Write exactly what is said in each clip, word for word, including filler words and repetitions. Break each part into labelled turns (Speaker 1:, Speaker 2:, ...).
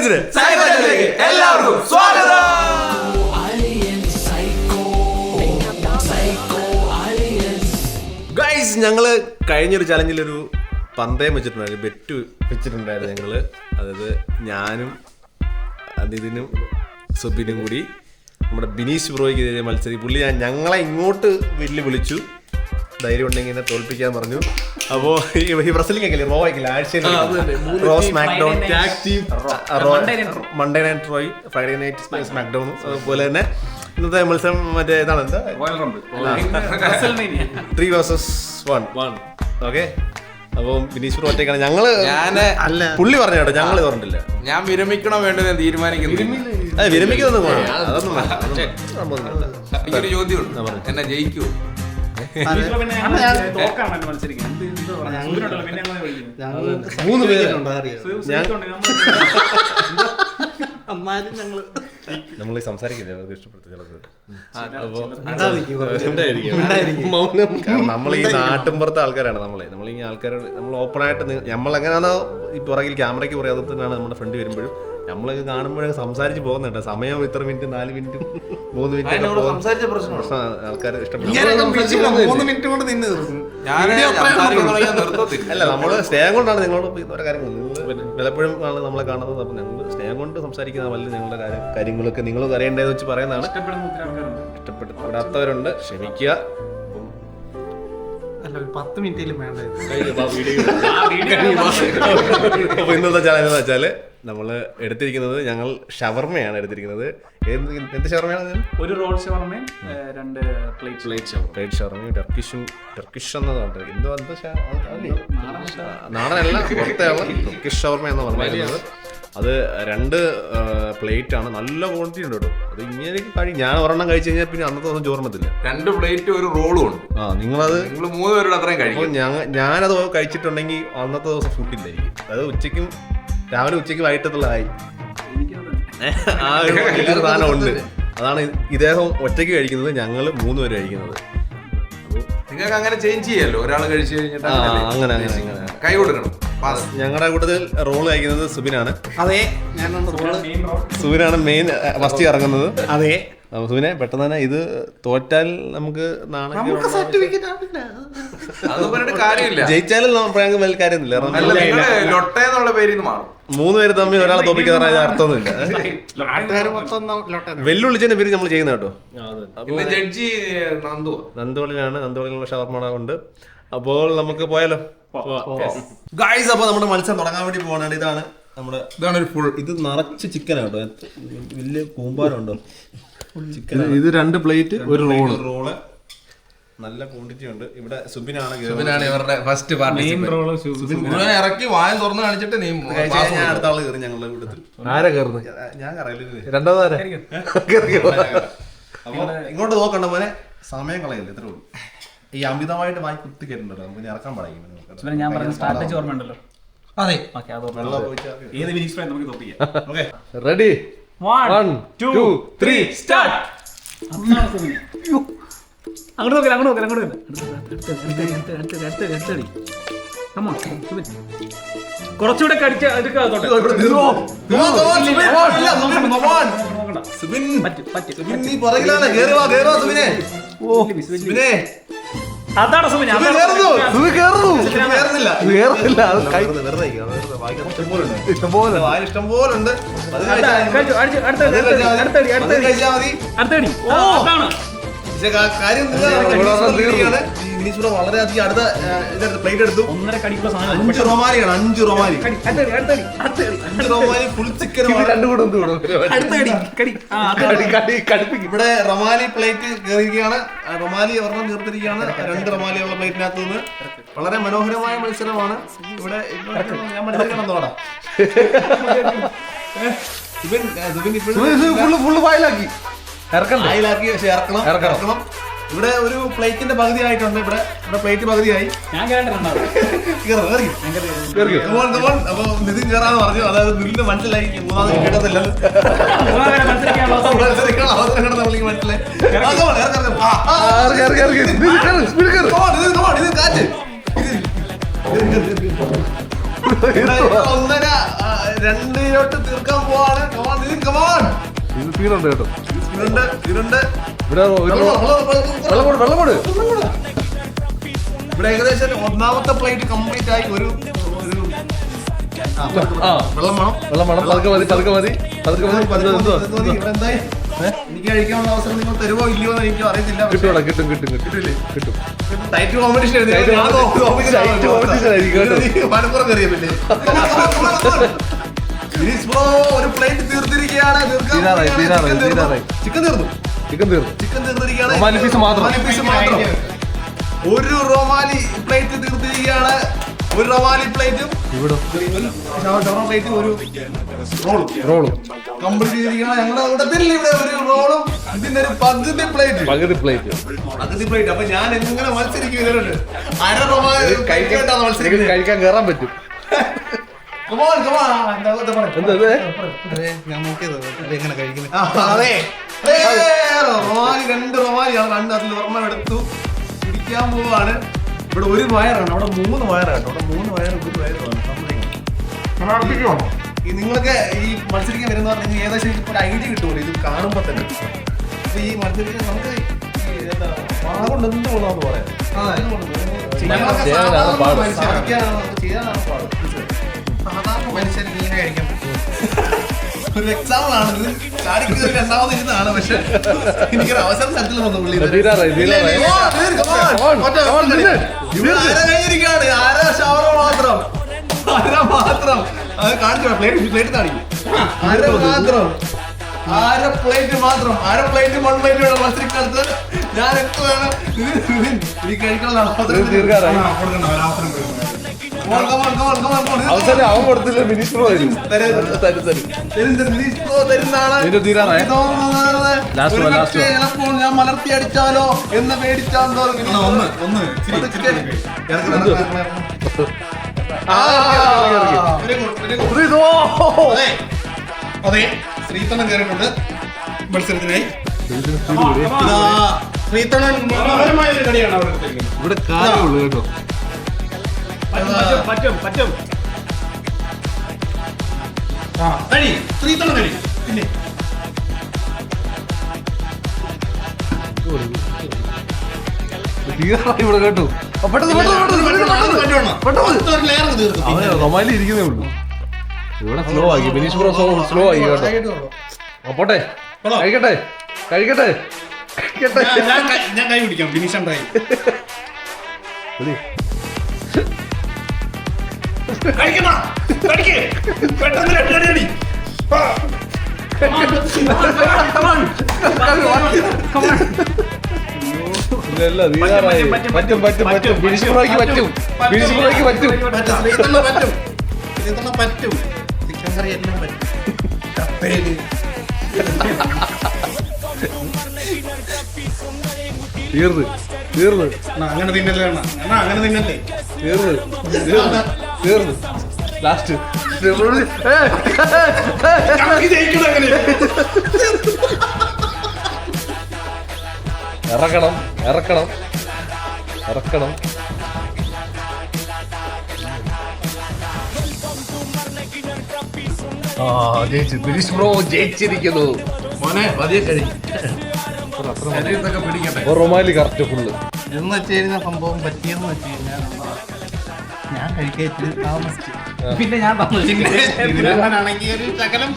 Speaker 1: ഫ്രണ്ട്സിന് എല്ലാവർക്കും സ്വാഗതം. ഗൈസ്, ഞങ്ങള് കഴിഞ്ഞൊരു ചലഞ്ചിലൊരു പന്തയം വെച്ചിട്ടുണ്ടായിരുന്നു, ബെറ്റ് വെച്ചിട്ടുണ്ടായിരുന്നു ഞങ്ങള്. അതായത് ഞാനും അതിനും സുബിനും കൂടി നമ്മുടെ ബിനീഷ് ബ്രോയ്ക്ക് മത്സരി പുള്ളി ഞാൻ ഞങ്ങളെ ഇങ്ങോട്ട് വെല്ലു വിളിച്ചു, ധൈര്യം ഉണ്ടെങ്കിൽ എന്നെ തോൽപ്പിക്കാൻ പറഞ്ഞു. അപ്പോ ഈ റെസ്ലിംഗ് ഒക്കെ റോ ആയിക്കില്ല, ആഴ്ചയിൽ Raw SmackDown, Monday night Raw, Friday night SmackDown, അതുപോലെ തന്നെ ഇന്നത്തെ മത്സരം മറ്റേ ഇതാണ് എന്താ three versus one one okay. അപ്പം ബിനീഷ് ബ്രോ ഒറ്റയ്ക്കാണ്. ഞങ്ങള് അല്ല പുള്ളി പറഞ്ഞു കേട്ടോ, ഞങ്ങൾ പറഞ്ഞിട്ടില്ല.
Speaker 2: ഞാൻ വിരമിക്കണോ വേണ്ടത് ഞാൻ തീരുമാനിക്കുന്നു.
Speaker 1: വിരമിക്കുന്നൊന്നും അതൊന്നും
Speaker 2: എനിക്കൊരു ചോദ്യം, എന്നെ ജയിക്കൂ?
Speaker 1: മൂന്ന് പേര് നമ്മൾ സംസാരിക്കില്ല, അവർക്ക് ഇഷ്ടപ്പെടുത്തില്ല. നമ്മൾ ഈ നാട്ടിൻപുറത്തെ ആൾക്കാരാണ്. നമ്മളെ നമ്മൾ ഈ ആൾക്കാരോട് നമ്മൾ ഓപ്പണായിട്ട് നമ്മൾ എങ്ങനെയാണോ ഈ പുറകിൽ ക്യാമറയ്ക്ക് പറയാതെ തന്നെയാണ് നമ്മുടെ ഫ്രണ്ട് വരുമ്പോഴും നമ്മളൊക്കെ കാണുമ്പോഴൊക്കെ സംസാരിച്ച് പോകുന്നുണ്ട്. സമയം ഇത്ര മിനിറ്റ്, നാല് മിനിറ്റ്, മൂന്ന് മിനിറ്റ് ആൾക്കാർ അല്ല, നമ്മള് സ്നേഹം കൊണ്ടാണ് നിങ്ങളോട് ഓരോ കാര്യങ്ങൾ പലപ്പോഴും ആണ് നമ്മളെ കാണുന്നത്. അപ്പൊ ഞങ്ങൾ സ്നേഹം കൊണ്ട് സംസാരിക്കുന്ന വല്ല ഞങ്ങളുടെ കാര്യം കാര്യങ്ങളൊക്കെ നിങ്ങൾ അറിയേണ്ടതെന്ന് വെച്ച് പറയുന്നതാണ്. ഇഷ്ടപ്പെടാത്തവരുണ്ട്, ക്ഷമിക്കുക.
Speaker 3: പത്ത് മിനിറ്റിലും വേണ്ട.
Speaker 1: അപ്പൊ ഇന്നത്തെ ചാനൽ എന്ന് വെച്ചാല് നമ്മള് എടുത്തിരിക്കുന്നത് ഞങ്ങൾ ഷവർമയാണ് എടുത്തിരിക്കുന്നത്. എന്ത് ഷവർമയാണ്?
Speaker 3: ഒരു റോൾ ഷവർമയും രണ്ട് പ്ലേറ്റ് പ്ലേറ്റ്
Speaker 1: പ്ലേറ്റ് ഷവർമയും ടർക്കിഷും. ടർക്കിഷ് എന്നതാണ് എന്തോ നാടനല്ല, പുറത്തെയുള്ള ടർക്കിഷ് ഷവർമ എന്ന് പറഞ്ഞിരുന്നത്. അത് രണ്ട് പ്ലേറ്റ് ആണ്, നല്ല ക്വാണ്ടിറ്റി ഉണ്ട് കേട്ടോ. അത് ഇങ്ങനെ കഴിയും. ഞാൻ ഒരെണ്ണം കഴിച്ചു കഴിഞ്ഞാൽ പിന്നെ അന്നത്തെ ദിവസം ചോർമ്മത്തില്ല.
Speaker 2: രണ്ട് പ്ലേറ്റ് ഒരു റോളും ഉണ്ട്.
Speaker 1: ആ നിങ്ങളത്
Speaker 2: നിങ്ങൾ മൂന്ന് പേരുടെ അത്രയും കഴിക്കും.
Speaker 1: ഞാനത് കഴിച്ചിട്ടുണ്ടെങ്കിൽ അന്നത്തെ ദിവസം ഫുഡില്ലായിരിക്കും. അത് ഉച്ചയ്ക്കും രാവിലെ ഉച്ചയ്ക്ക് വൈകിട്ടത്തുള്ളതായി ആ ഒരു സാധനം ഉണ്ട്. അതാണ് ഇദ്ദേഹം ഒറ്റയ്ക്ക് കഴിക്കുന്നത്, ഞങ്ങൾ മൂന്ന് പേര് കഴിക്കുന്നത്.
Speaker 2: നിങ്ങൾക്ക് അങ്ങനെ ചേഞ്ച് ചെയ്യാലോ, ഒരാൾ കഴിച്ചു കഴിഞ്ഞിട്ട്
Speaker 1: അങ്ങനെ അങ്ങനെ അങ്ങനെ
Speaker 2: കൈ കൊടുക്കണം.
Speaker 1: ഞങ്ങളുടെ കൂട്ടത്തിൽ റോള് കഴിക്കുന്നത് സുബിനാണ്.
Speaker 3: അതെ,
Speaker 1: സുബിനാണ് മെയിൻ ഫസ്റ്റ് ഇറങ്ങുന്നത്.
Speaker 3: അതെ
Speaker 1: സുബിനെ പെട്ടെന്ന് തന്നെ ഇത് തോറ്റാൽ നമുക്ക് നാളെ ജയിച്ചാലും ഞങ്ങൾക്ക് വലിയ കാര്യമൊന്നുമില്ല. മൂന്ന് പേര് തമ്മിൽ ഒരാളെ തോപ്പിക്കാൻ അർത്ഥമൊന്നുമില്ല. വെല്ലുവിളിച്ചതിന്റെ പേര് നമ്മൾ ചെയ്യുന്ന കേട്ടോ. നന്ദോളിലാണ്, നന്ദോളിലുള്ള ഷവർമ ഉണ്ട്. അപ്പോൾ നമുക്ക് പോയാലോ ഗൈസ്. അപ്പൊ നമ്മുടെ മത്സരം തുടങ്ങാൻ വേണ്ടി പോകണേ. ഇതാണ് നമ്മുടെ
Speaker 2: ഇതാണ് ഒരു ഫുൾ,
Speaker 1: ഇത് നിറച്ച് ചിക്കൻ കേട്ടോ, വലിയ കൂമ്പാരം ഉണ്ടോ ചിക്കൻ.
Speaker 4: ഇത് രണ്ട് പ്ലേറ്റ് ഒരു റോള്
Speaker 1: റോള് നല്ല ക്വാണ്ടിറ്റി ഉണ്ട്. ഇവിടെ സുബിനാണ്
Speaker 2: ഇവരുടെ ഫസ്റ്റ് പാർട്ടി. ഇറക്കി വായം തുറന്ന് കാണിച്ചിട്ട് നീ
Speaker 1: ഞാൻ അടുത്ത ആള് കയറി ഞങ്ങളുടെ കൂട്ടത്തിൽ.
Speaker 4: ആരാ കയറുന്നത്?
Speaker 1: ഞാൻ കറിയില്ല.
Speaker 4: രണ്ടാമതാരാ?
Speaker 1: അപ്പൊ ഇങ്ങോട്ട് നോക്കണ്ട മോനെ, സമയം കളയില്ല, ഇത്രേ ഉള്ളൂ. ഈ അമിതമായിട്ട് വായി കുത്തി കേട്ടിട്ടുണ്ടല്ലോ, നമുക്ക് ഇറക്കാൻ പാടില്ല.
Speaker 3: ഞാൻ പറഞ്ഞ സ്ട്രാറ്റജി ഓർമ്മയുണ്ടല്ലോ.
Speaker 1: അതെ,
Speaker 4: ready?
Speaker 3: One two three start. അങ്ങോട്ട് നോക്കില്ല, അങ്ങോട്ട് നോക്കില്ല, അങ്ങോട്ട് കുറച്ചുകൂടെ കടിച്ച അതാണ് സുബിൻ.
Speaker 1: ഇഷ്ടംപോലെ ഇഷ്ടംപോലുണ്ട്. കാര്യം വളരെയധികം അടുത്ത ഇതെടുത്ത് പ്ലേറ്റ് എടുത്തു.
Speaker 3: ഒന്നര കടിക്കുള്ള
Speaker 1: അഞ്ച് റൊമാലിയാണ്, അഞ്ച് റൊമാലി അഞ്ച് റൊമാലി ഫുൾ ചിക്കൻ. ഇവിടെ റൊമാലി പ്ലേറ്റ് കയറിയിരിക്കുകയാണ്. റൊമാലി ഒരെണ്ണം ചേർത്തിരിക്കുകയാണ് രണ്ട് റൊമാലിയുള്ള പ്ലേറ്റിനകത്ത് നിന്ന്. വളരെ മനോഹരമായ മത്സരമാണ് ഇവിടെ. ഞാൻ മത്സരിക്കണം തോടാ.
Speaker 4: വായിലാക്കി
Speaker 1: വായിലാക്കി പക്ഷെ ഇറക്കണം ഇറക്കണം. ഇവിടെ ഒരു പ്ലേറ്റിന്റെ പകുതി ആയിട്ടുണ്ട്. ഇവിടെ ഇവിടെ പ്ലേറ്റ് പകുതിയായി. അപ്പൊ നിതിൻ കയറാന്ന് പറഞ്ഞു. അതായത് നിതിന് മനസ്സിലായി മൂന്നാമത് കിട്ടത്തില്ല, മനസ്സിലായി. ഒന്നര രണ്ടിലോട്ട് തീർക്കാൻ പോവാണ്. Come on, Nitin, come on.
Speaker 4: ഇത് തീരുണ്ട് കേട്ടോ.
Speaker 1: ഇരുണ്ട്, ഇരുണ്ട്.
Speaker 4: ഇവിടെ ഒരു
Speaker 1: വെള്ളം, വെള്ളം, വെള്ളം,
Speaker 4: വെള്ളം കൊടു വെള്ളം കൊടു.
Speaker 1: ഇവിടെ ഏകദേശം ഒന്നാമത്തെ പ്ലേറ്റ് കംപ്ലീറ്റ് ആയി. ഒരു ഒരു ആ,
Speaker 4: ആ
Speaker 1: വെള്ളം വേണം.
Speaker 4: വെള്ളം വേണം. പതുക്കെ മതി പതുക്കെ മതി പതുക്കെ മതി.
Speaker 1: പതുക്കെ മതി,
Speaker 4: എന്തോ
Speaker 1: പതുക്കെ മതി. ഇവിടെ എന്തായി? എനിക്ക് കഴിക്കാനുള്ള അവസരം നിങ്ങൾ തരുമോ ഇല്ലയോ എന്ന് എനിക്ക് അറിയത്തില്ല. പക്ഷേ
Speaker 4: കിട്ടൂടാ കിട്ടും കിട്ടും കിട്ടും കിട്ടും.
Speaker 1: ടൈറ്റ് കോമ്പറ്റീഷൻ
Speaker 4: Tight competition ആയിരിക്കും കേട്ടോ.
Speaker 1: മലപ്പുറം കയറിയല്ലേ. ഒരു പ്ലേറ്റ് തീർത്തിരിക്കുകയാണ്.
Speaker 4: തീരാറായി, തീരാറായി, തീരാറായി.
Speaker 1: ചിക്കൻ തീർന്നു.
Speaker 4: ചിക്കൻ തീർന്നു.
Speaker 1: ചിക്കൻ തീർന്നിരിക്കുകയാണ്.
Speaker 4: റൊമാലി പീസ് മാത്രം.
Speaker 1: റൊമാലി പീസ് മാത്രം. ഒരു റൊമാലി പ്ലേറ്റ് തീർത്തിരിക്കുകയാണ്. ഒരു റൊമാലി പ്ലേറ്റും
Speaker 4: ഇവിടെ
Speaker 1: ഷവർമ പ്ലേറ്റും ഒരു റോളും
Speaker 4: റോളും
Speaker 1: കംപ്ലീറ്റ് ചെയ്തിരിക്കുകയാണ്. ഞങ്ങളുടെ കൂട്ടത്തിൽ ഇവിടെ ഒരു റോളും ഇതിന്റെ ഒരു പകുതി പ്ലേറ്റ്
Speaker 4: പകുതി പ്ലേറ്റ്
Speaker 1: പകുതി പ്ലേറ്റ്. അപ്പൊ ഞാൻ എങ്ങനെ മത്സരിക്കും ഇതിലുണ്ട്? അര റൊമാലി
Speaker 4: കഴിക്കാൻ
Speaker 1: മത്സരിക്കുന്നത്.
Speaker 4: കഴിക്കാൻ കയറാൻ പറ്റും.
Speaker 1: Come on, come on. എന്താ ഇത് പറ.
Speaker 4: എന്താ ഇത്?
Speaker 2: അതെ ഞാൻ നോക്കിയത് എങ്ങനെ കഴിക്കുന്നത്.
Speaker 1: ആ, അതെ. ഏ, റൊമാലി രണ്ട് റൊമാലിയാണ്. രണ്ട് അതിൽ ഒരെണ്ണം എടുത്തു കുടിക്കാൻ പോവാണ്. ഇവിടെ ഒരു വയറാണ്, അവിടെ മൂന്ന് വയറാണ്. അവിടെ മൂന്ന് വയറും ഒരു വയറുമാണ്. ഈ നിങ്ങളൊക്കെ ഈ മത്സരിക്കാൻ വരുന്ന പറഞ്ഞാൽ ഏകദേശം എനിക്ക് ഒരു ഐഡിയ കിട്ടുമല്ലോ ഇത് കാണുമ്പോൾ തന്നെ. അപ്പൊ ഈ മത്സരിക്കാൻ നമുക്ക് ഈ എന്താ പാകൊണ്ട് എന്ത് കൊള്ളാന്ന് പറയാം. ചെയ്യാനൊക്കെ സാധാരണ
Speaker 4: പാട്.
Speaker 1: മനുഷ്യരാണ്, ചെയ്യാനാണ് പാട്.
Speaker 2: സാധാരണ മനുഷ്യൻ മീനെ കഴിക്കാൻ പറ്റും.
Speaker 1: ഒരു എക്സാമ്പിൾ ആണ് ഇത്. ചാടിക്ക് രണ്ടാമത് ഇരുന്നാണ്. പക്ഷെ എനിക്കൊരു അവസരം തരത്തില്ല വന്നു പുള്ളി ഇത്.
Speaker 4: തീരാറായി തീരാറായി.
Speaker 1: Come on, തീർ, come on.
Speaker 4: Come on,
Speaker 1: ഒറ്റ
Speaker 4: come on,
Speaker 1: ഒറ്റ
Speaker 4: നില്ല്.
Speaker 1: ഇവിടെ ആരാ കഴിഞ്ഞിരിക്കുകയാണ്? ആരാ ഷവർമ മാത്രം? ആരാ മാത്രം? അത് കാണിച്ചു പ്ലേറ്റ് പ്ലേറ്റ് കാണിക്കും. അര മാത്രം അര പ്ലേറ്റ് മാത്രം അര പ്ലേറ്റ് വൺ പ്ലേറ്റ് വേണം മത്സരിക്കാലത്ത്. ഞാൻ എത്ര വേണം ഈ കഴിക്കാനുള്ള അവസരം
Speaker 4: തീർക്കാറായി. അവസരം അവൻ കൊടുത്തില്ല. മിനിസ്റ്റർ വരും തരും തരും. നിന്റെ തീരാറായി. Last one, last one.
Speaker 1: ചിലപ്പോൾ ഞാൻ മലർത്തി അടിച്ചാലോ എന്ന് പേടിച്ചാൽ
Speaker 2: ഒന്ന് ഒന്ന് അതെ അതെ ശ്രീതണ്ണൻ കയറിയിട്ടുണ്ട് മത്സരത്തിനായി. ഇതാ ശ്രീതണ്ണൻ മനോഹരമായ ഒരു കളിയാണ് അവിടെ എടുത്തിരിക്കുന്നത്.
Speaker 4: ഇവിടെ കാര്യമുള്ളൂ കേട്ടോ.
Speaker 3: പറ്റും പറ്റും പറ്റും.
Speaker 2: ആ കഴി ശ്രീതണ്ണൻ കഴി. പിന്നെ
Speaker 4: തീരാറായി ഇവിടെ കേട്ടോ. ആ, പെട്ടെന്ന് പെട്ടെന്ന് പെട്ടെന്ന് പെട്ടെന്ന് പെട്ടെന്ന് പെട്ടെന്ന്.
Speaker 2: ഒരു ലെയർ തീർക്കും.
Speaker 4: അവന് റൊമാലി ഇരിക്കുന്നേ ഉള്ളൂ. ഇവിടെ സ്ലോ ആക്കി. ബിനീഷ് ബ്രോ സ്ലോ ആക്കി കേട്ടോ. ആ, പോട്ടെ കഴിക്കട്ടെ കഴിക്കട്ടെ കഴിക്കട്ടെ.
Speaker 2: ഞാൻ- ഞാൻ കൈ- ഞാൻ കൈ പിടിക്കാം. ഫിനിഷ് ഉണ്ടായി.
Speaker 4: മതി.
Speaker 2: കഴിക്കണം കഴിക്ക് പെട്ടെന്ന് രണ്ടടി അടി. ആ.
Speaker 4: ഇല്ല, തീരാറായി. പറ്റും പറ്റും പറ്റും. ബിനീഷ് ബ്രോയ്ക്ക് പറ്റും. ബിനീഷ് ബ്രോയ്ക്ക് പറ്റും.
Speaker 2: പറ്റും. ശ്രീതണ്ണൻ പറ്റും. ശ്രീതണ്ണൻ പറ്റും. ചിക്കൻ കറി എല്ലാം പറ്റും. കപ്പേല്
Speaker 4: തീർന്ന് തീർന്ന്
Speaker 2: അണ്ണാ, അങ്ങനെ തിന്നല്ലേ അണ്ണാ. അണ്ണാ അങ്ങനെ തിന്നല്ലേ.
Speaker 4: തീർന്ന് തീർന്ന് തീർന്ന് ലാസ്റ്റ്
Speaker 2: ചങ്കി ജയിക്കണം അങ്ങനെ.
Speaker 4: ഇറക്കണം ഇറക്കണം ഇറക്കണം. ആ ജയിച്ചു. ബിനീഷ് ബ്രോ ജയിച്ചിരിക്കുന്നു.
Speaker 2: മോനെ പതിയെ കഴി. ശരീരത്തൊക്കെ പിടിക്കട്ടെ.
Speaker 4: Rumali correct full.
Speaker 2: എന്ന് വെച്ച് കഴിഞ്ഞാൽ സംഭവം പറ്റിയെന്ന് വെച്ച് കഴിഞ്ഞാൽ ഞാൻ കഴിക്കാൻ താമസിച്ചു.
Speaker 3: പിന്നെ ഞാൻ
Speaker 2: ഇതിനാണെങ്കിൽ ഒരു ശകലം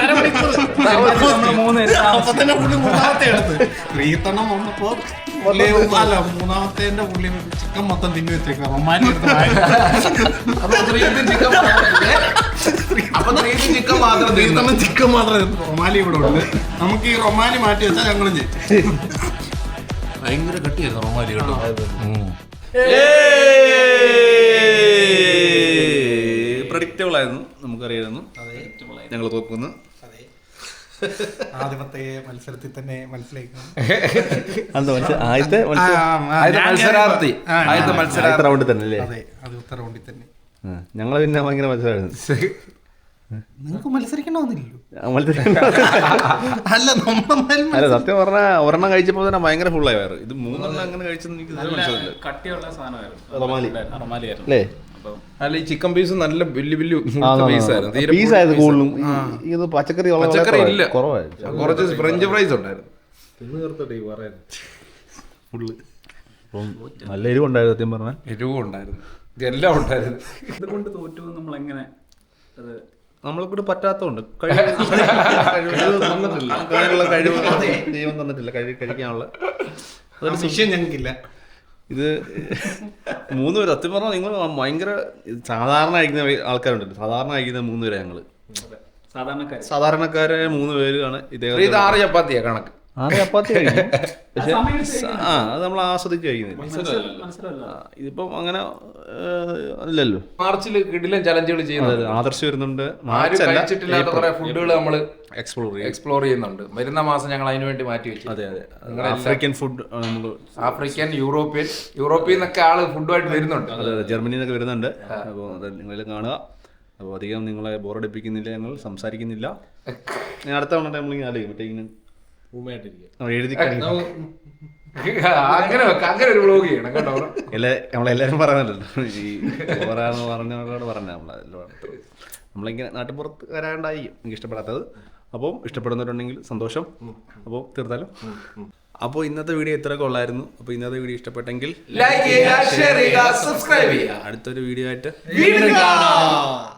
Speaker 3: മൂന്ന്
Speaker 2: അപ്പൊ തന്നെ പുള്ളി മൂന്നാമത്തെ എടുത്ത് ശ്രീതണ്ണം വന്നപ്പോ പുള്ളി അല്ല മൂന്നാമത്തെ പുള്ളി ചിക്കൻ മൊത്തം തിന്നു വെച്ചേക്കാം. റൊമാലി എടുത്ത്
Speaker 1: അപ്പൊ ശ്രീജിത്ത് ചിക്കൻ അപ്പൊ ശ്രീജിത്ത് ചിക്കൻ മാത്രം തീർന്നു.
Speaker 2: ശ്രീതണ്ണം ചിക്കൻ മാത്രമേ റൊമാലി ഇവിടെ ഉണ്ട്. നമുക്ക് ഈ റൊമാലി മാറ്റി വെച്ചാൽ ഞങ്ങളും ചെയ്യും. ഭയങ്കര കട്ടിയായിരുന്നു റൊമാലി കേട്ടോ.
Speaker 1: പ്രഡിക്റ്റബിൾ ആയിരുന്നു. നമുക്കറിയായിരുന്നു ഞങ്ങൾ തോക്കുന്നു.
Speaker 2: ആദ്യമത്തെ മത്സരത്തിൽ തന്നെ മനസ്സിലാക്കണം.
Speaker 1: ആദ്യത്തെ
Speaker 4: മത്സരാർത്ഥി.
Speaker 2: ആദ്യത്തെ
Speaker 1: മത്സരാർത്ഥി റൗണ്ടിൽ തന്നെ അല്ലേ?
Speaker 2: അതെ അത് ഉത്തര റൗണ്ടിൽ തന്നെ.
Speaker 1: ഞങ്ങൾ പിന്നെ ഭയങ്കര മത്സരമായിരുന്നു.
Speaker 2: നിങ്ങൾക്ക് മത്സരിക്കണമെന്നില്ലല്ലോ.
Speaker 1: അല്ല അല്ല സത്യം പറഞ്ഞാൽ ഒരെണ്ണം കഴിച്ചപ്പോൾ തന്നെ ഭയങ്കര ഫുള്ളായി വയറ്. ഇത് മൂന്നെണ്ണം അങ്ങനെ കഴിച്ചെന്ന് എനിക്ക് മനസ്സിലായില്ല.
Speaker 3: കട്ടിയുള്ള സാധനമായിരുന്നു
Speaker 1: റൊമാലി
Speaker 3: റൊമാലിയായിരുന്നു.
Speaker 1: അല്ലേ?
Speaker 3: അപ്പം
Speaker 5: അല്ല ഈ ചിക്കൻ പീസ് നല്ല വലിയ വലിയ പീസ് ആയിരുന്നു തീരെ
Speaker 4: പീസായത് കൂടുതലും ഈ- ഇത് പച്ചക്കറി വളരെ
Speaker 5: പച്ചക്കറി
Speaker 4: കുറവായി-
Speaker 5: ഇല്ല.
Speaker 4: കുറവായിരുന്നു
Speaker 5: കുറച്ച് ഫ്രഞ്ച് ഫ്രൈസ് ഉണ്ടായിരുന്നു.
Speaker 1: തിന്ന് തീർത്തിട്ട് ഈ പറയാൻ ഫുള്ള്
Speaker 4: അപ്പം നല്ല എരിവുണ്ടായിരുന്നു സത്യം പറഞ്ഞാൽ.
Speaker 5: എരിവും ഉണ്ടായിരുന്നു, ഇതെല്ലാം ഉണ്ടായിരുന്നു.
Speaker 3: ഇതുകൊണ്ട് തോറ്റു നമ്മൾ എങ്ങനെ അത്
Speaker 1: നമ്മളെ കൂടെ പറ്റാത്തതുകൊണ്ട് കഴിവ് കഴിവ് തന്നിട്ടില്ല അതിനുള്ള കഴിവ് ദൈവം തന്നിട്ടില്ല കഴി കഴിക്കാനുള്ള
Speaker 2: ഒരു വിഷയം ഞങ്ങൾക്കില്ല.
Speaker 1: ഇത് മൂന്ന് പേര് സത്യം പറഞ്ഞാൽ നിങ്ങൾ ഭയങ്കര സാധാരണ കഴിക്കുന്ന ആൾക്കാരുണ്ടല്ലോ, സാധാരണ കഴിക്കുന്ന മൂന്ന് പേരെ ഞങ്ങള്
Speaker 3: സാധാരണക്കാർ
Speaker 1: സാധാരണക്കാരെ മൂന്ന് പേരാണ്
Speaker 5: ഇത്
Speaker 1: ഇദ്ദേഹം
Speaker 5: ആറ് ചപ്പാത്തിയാ കണക്ക്.
Speaker 4: ആറ് ചപ്പാത്തി കഴിക്കും.
Speaker 1: പക്ഷെ ആ അത് നമ്മൾ ആസ്വദിച്ച് കഴിക്കുന്നില്ല.
Speaker 3: മനസ്സിലല്ല
Speaker 1: ആ, ഇതിപ്പം അങ്ങനെ ഏഹ്, അല്ലല്ലോ.
Speaker 5: മാർച്ചിൽ കിടിലൻ ചലഞ്ചുകൾ ചെയ്യുന്നത്
Speaker 1: ആദർശ് വരുന്നുണ്ട്,
Speaker 5: ആരും
Speaker 1: മാർച്ചല്ല
Speaker 5: കഴിച്ചിട്ടില്ലാത്ത കുറെ ഫുഡുകൾ നമ്മൾ
Speaker 1: എക്സ്പ്ലോർ ചെയ്യും.
Speaker 5: എക്സ്പ്ലോർ ചെയ്യുന്നുണ്ട്. വരുന്ന മാസം ഞങ്ങൾ അതിനു വേണ്ടി മാറ്റി വെച്ചു.
Speaker 1: അതെ അതെ ആഫ്രിക്കൻ ഫുഡ് നമ്മൾ
Speaker 5: ആഫ്രിക്കൻ, യൂറോപ്യൻ യൂറോപ്പിൽ നിന്നൊക്കെ ആള് ഫുഡുമായിട്ട് വരുന്നുണ്ട്.
Speaker 1: അതെ അതെ ജർമ്മനിയിൽ നിന്നൊക്കെ വരുന്നുണ്ട്. അപ്പോൾ അത് നിങ്ങളെല്ലാം കാണുക. അപ്പോൾ അധികം നിങ്ങളെ ബോറടിപ്പിക്കുന്നില്ല, ഞങ്ങൾ സംസാരിക്കുന്നില്ല. ഞാൻ അടുത്ത തവണ നമ്മളിങ്ങനെ ആലോചിക്കും മറ്റേ ഇങ്ങനെ നമ്മൾ എഴുതി കഴിഞ്ഞു
Speaker 5: അങ്ങനെ വെക്ക, അങ്ങനെ ഒരു വ്ലോഗ് ചെയ്യണം കേട്ടോ.
Speaker 1: എല്ലാ നമ്മളെല്ലാവരും പറയുന്നുണ്ടല്ലോ ഈ ഓരാന്ന് പറഞ്ഞവരോട് പറഞ്ഞ നമ്മളെല്ലാം നമ്മളിങ്ങനെ നാട്ടുപുറത്ത് വരാണ്ടായിരിക്കും എനിക്ക് ഇഷ്ടപ്പെടാത്തത്. അപ്പോൾ ഇഷ്ടപ്പെടുന്നവരുണ്ടെങ്കിൽ സന്തോഷം. അപ്പോൾ തീർത്താലും അപ്പോൾ ഇന്നത്തെ വീഡിയോ ഇത്രയൊക്കെ ഉള്ളായിരുന്നു. അപ്പോൾ ഇന്നത്തെ വീഡിയോ ഇഷ്ടപ്പെട്ടെങ്കിൽ
Speaker 5: ലൈക്ക് ചെയ്യുക, ഷെയർ ചെയ്യുക, സബ്സ്ക്രൈബ് ചെയ്യുക.
Speaker 1: അടുത്തൊരു വീഡിയോ ആയിട്ട്
Speaker 5: വീണ്ടും കാണാം.